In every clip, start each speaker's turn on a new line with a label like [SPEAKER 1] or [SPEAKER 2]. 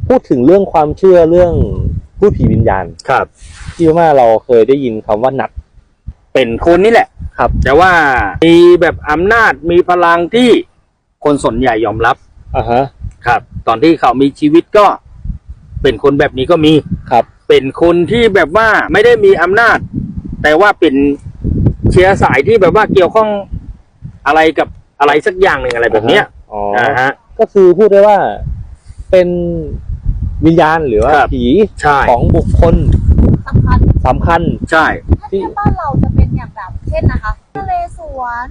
[SPEAKER 1] พูดถึงเรื่องความเชื่อเรื่องพูดผีวิญญาณ
[SPEAKER 2] ครับ
[SPEAKER 1] ที่ว่าเราเคยได้ยินคำว่านัด
[SPEAKER 2] เป็นคนนี่แหละ
[SPEAKER 1] ครับ
[SPEAKER 2] แต่ว่ามีแบบอำนาจมีพลังที่คนส่วนใหญ่ยอมรับ
[SPEAKER 1] อ่าฮะ
[SPEAKER 2] ครับ ตอนที่เขามีชีวิตก็เป็นคนแบบนี้ก็มี
[SPEAKER 1] ครับ
[SPEAKER 2] เป็นคนที่แบบว่าไม่ได้มีอำนาจ แต่ว่าเป็นเชื้อสายที่แบบว่าเกี่ยวข้องอะไรกับอะไรสักอย่างหนึ่งอะไรแบบเนี้ย
[SPEAKER 1] อ๋อ
[SPEAKER 2] ฮะ
[SPEAKER 1] ก็คือพูดได้ว่าเป็นวิญญาณหรือว่า
[SPEAKER 2] ครับ
[SPEAKER 1] ผี
[SPEAKER 2] ใช่
[SPEAKER 1] ของบุคคล
[SPEAKER 3] สำคัญ
[SPEAKER 2] ใช่
[SPEAKER 3] ถ้าเทียบบ้านเราจะเป็นอย่างแบบเช่นนะคะนเรศวร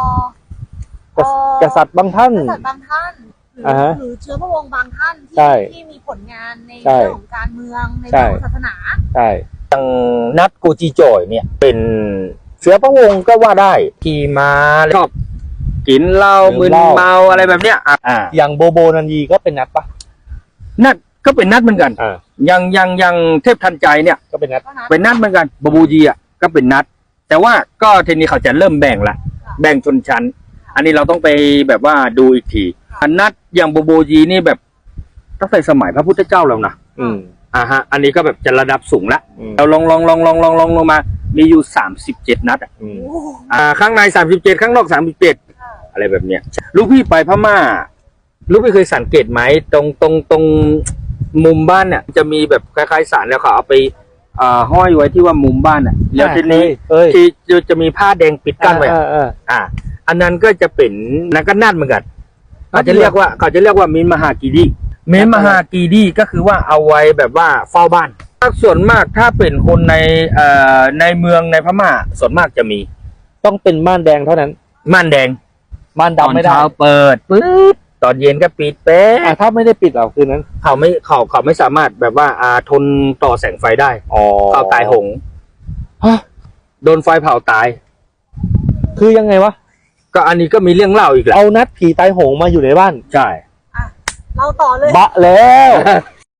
[SPEAKER 1] กษัตริย์บางท่าน
[SPEAKER 3] กษัตริย์บางท่านหรือ
[SPEAKER 1] อ่าฮะ
[SPEAKER 3] หรือเชื้อพระวงศ์บางท่าน
[SPEAKER 1] ใช่
[SPEAKER 3] ที่มีผลงานใน
[SPEAKER 1] ใช่
[SPEAKER 3] เรื่องของการเมืองใน
[SPEAKER 1] ใช่
[SPEAKER 3] เรื่องของศาสนา
[SPEAKER 1] ใช่
[SPEAKER 2] นัดกูจีโจยเนี่ย เป็นเชื้อพระวงศ์ก็ว่าได้ขี่มาชอบกินเหล้ามึนเมาอะไรแบบเนี้ย
[SPEAKER 1] อย่างโบโบนันยีก็เป็นนัดปะ
[SPEAKER 2] นัดก็เป็นนัดเหมือนกัน
[SPEAKER 1] อ่า
[SPEAKER 2] ยังเทพทันใจเนี่ย
[SPEAKER 1] ก็เป็นนัด
[SPEAKER 3] ก็นะ
[SPEAKER 2] เป็นนัดเหมือนกันบบูจีอ่ะก็เป็นนัด แต่ว่าก็ทีนี้เขาจะเริ่มแบ่งละแบ่งชนชั้น อันนี้เราต้องไปแบบว่าดูอีกทีอันนัดอย่างบบูจีนี่แบบตั้งแต่สมัยพระพุทธเจ้าแล้วนะ
[SPEAKER 1] อืม
[SPEAKER 2] ฮะอันนี้ก็แบบจะระดับสูงละ
[SPEAKER 1] อืม
[SPEAKER 2] เราลองลงมามีอยู่37นัด
[SPEAKER 1] อืม
[SPEAKER 3] โอ้โห
[SPEAKER 2] ข้างใน37ข้างนอก37อะไรแบบเนี้ยลูกพี่ไปพม่าลูกพี่เคยสังเกตไหมตรงมุมบ้านเนี่ยจะมีแบบคล้ายๆสารแล้วเขาเอาไปห้อยไว้ที่ว่ามุมบ้านอ่ะแล้วทีนี้
[SPEAKER 1] เอ้ย
[SPEAKER 2] ที่จะมีผ้าแดงปิดกั้นไว้ อันนั้นก็จะเป็นนักกันนาดเหมือนกันเขาจะเรียกว่ามินมหากีดีมินมหากีดีก็คือว่าเอาไว้แบบว่าเฝ้าบ้านส่วนมากถ้าเป็นคนในเมืองในพม่าส่วนมากจะมี
[SPEAKER 1] ต้องเป็นม่านแดงเท่านั้น
[SPEAKER 2] ม่านแดง
[SPEAKER 1] ม่าน
[SPEAKER 2] ตอน
[SPEAKER 1] ดำไม่ได้
[SPEAKER 2] เช้าเปิดปึ๊บตอนเย็นก็ปิดเป๊ะ
[SPEAKER 1] ถ้าไม่ได้ปิดเราคืนนั้น
[SPEAKER 2] เขาไม่สามารถแบบว่าทนต่อแสงไฟได้
[SPEAKER 1] อ๋อ
[SPEAKER 2] เขาตายหง
[SPEAKER 1] ฮะ
[SPEAKER 2] โดนไฟเผาตาย
[SPEAKER 1] คือยังไงวะ
[SPEAKER 2] ก็อันนี้ก็มีเรื่องเล่าอีกแหละ
[SPEAKER 1] เอานัดผีตายโหงมาอยู่ในบ้าน
[SPEAKER 2] ใช่
[SPEAKER 3] เราต่อเลย
[SPEAKER 1] บะแล้ว